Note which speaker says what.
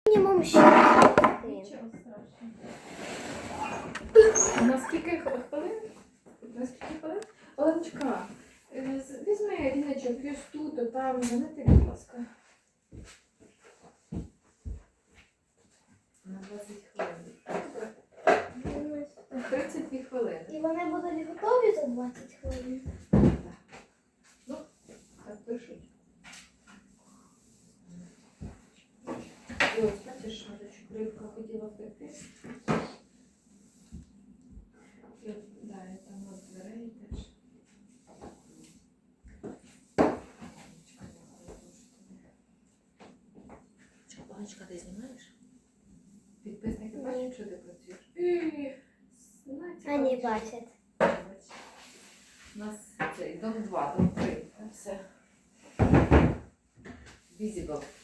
Speaker 1: Мінімум 6 хвилин.
Speaker 2: Нічого страшного. На скільки хвилин? На скільки хвилин? Оленочка, візьми ріночок, ось тут, там, занети, будь ласка. На 20 хвилин. 32 хвилини.
Speaker 1: І вони будуть готові за 20 хвилин?
Speaker 2: Ну, так пишуть. Ось, бачиш, рибка хотіла втекти. Да, я там от дверей теж.
Speaker 3: Чапаночка, ти знімаєш?
Speaker 2: Підписники бачать, що ти працюєш?
Speaker 1: Вони бачать.
Speaker 2: У нас цей дом 2, дом 3. Все. Візібл.